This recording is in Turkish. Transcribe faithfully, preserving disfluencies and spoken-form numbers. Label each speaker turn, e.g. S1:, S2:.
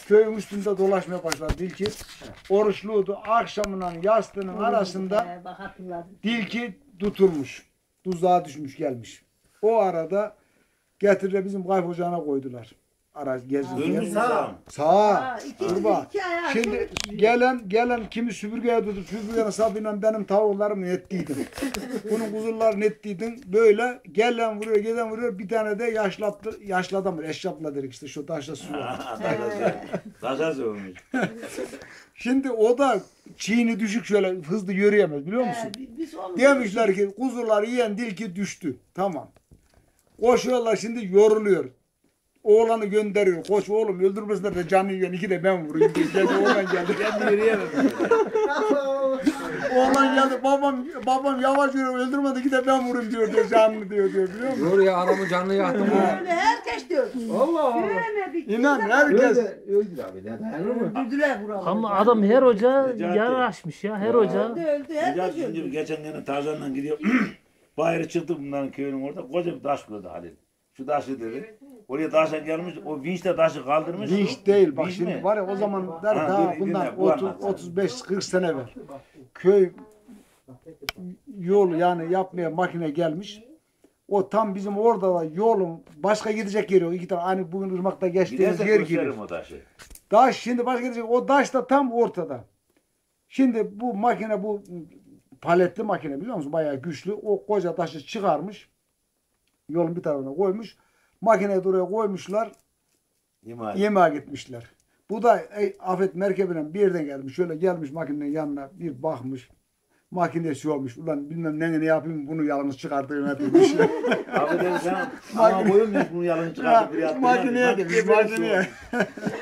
S1: köyün üstünde dolaşmaya başladı tilki. Oruçluydu. Akşamından yastığının arasında tilki tutulmuş. Tuzağa düşmüş gelmiş. O arada getirdiler bizim kayıp ocağına koydular. Araç gezdi.
S2: Sağ.
S1: Sağ. Kurba. Şimdi gelen gelen kimi süpürgeye tutup süpürgenin sapıyla benim tavuklarımı nettiydim. Bunun kuzularını nettiydim. Böyle gelen vuruyor, gelen vuruyor. Bir tane de yaşlattı, yaşlı adam. Eşrapla dedik işte şu taşla su var.
S2: Taşa sığmış.
S1: Şimdi o da çiğni düşük şöyle hızlı yürüyemez biliyor musun? Demişler ki kuzuları yiyen tilki düştü. Tamam. Koşuyorlar şimdi yoruluyor. Oğlanı gönderiyor. Koş oğlum öldürmesinler de canını yiyen iki de ben vurayım diye. Geldi oğlan geldi.
S2: Kendi yürüyemem.
S1: Oğlan geldi. Babam babam yavaş yürü öldürmedi iki de ben vurayım diyor diyor. Canını diyor diyor biliyor musun?
S3: Dur ya adamın canını yaktım.
S4: Öyle herkes diyor.
S3: Allah Allah.
S4: Göremedik.
S1: İnan herkes.
S3: Öldü abi. Dayanır mı?
S4: Öldürdüler buraları.
S5: Ama adam her hoca
S2: Necati.
S5: yaraşmış ya her hoca.
S4: Öldü öldü herkes
S2: Necati şimdi
S4: öldü.
S2: geçen yine Tarzan'la gidiyor. Bayırı çıktı bunların köyünün orada. Koca bir taş gördü Halil. Şu taşı dedi. Oraya taşa gelmiş. O vinçle taşı kaldırmış.
S1: Vinç değil bak
S2: Vinç
S1: şimdi
S2: mi?
S1: var ya o zamanlar
S2: Ha,
S1: daha
S2: dur,
S1: bundan
S2: dinle, bu
S1: otuz
S2: anlatsın.
S1: otuz beş kırk sene evvel köy yol yani yapmaya makine gelmiş. O tam bizim orada da yolun başka gidecek yeri yok. İki tane hani bugün ırmakta geçtiğimiz
S2: Giderse
S1: yer gibi.
S2: gösteririm o taşı.
S1: Daş şimdi başka gidecek. O daş da tam ortada. Şimdi bu makine bu paletli makine biliyor musun? Bayağı güçlü. O koca taşı çıkarmış. Yolun bir tarafına koymuş. Makineyi de oraya koymuşlar.
S2: Yemeğe.
S1: Yemeğe gitmişler. Bu da ey, Afet merkebinden bir yerden gelmiş. Şöyle gelmiş makinenin yanına bir bakmış. Makinesi olmuş. Ulan bilmem ne ne yapayım bunu yalnız çıkartayım demiş.
S2: Abi dedi sen ama boyun yok bunu yalın çıkartıp bir yaptın.
S1: Makineye gitmiş makineye.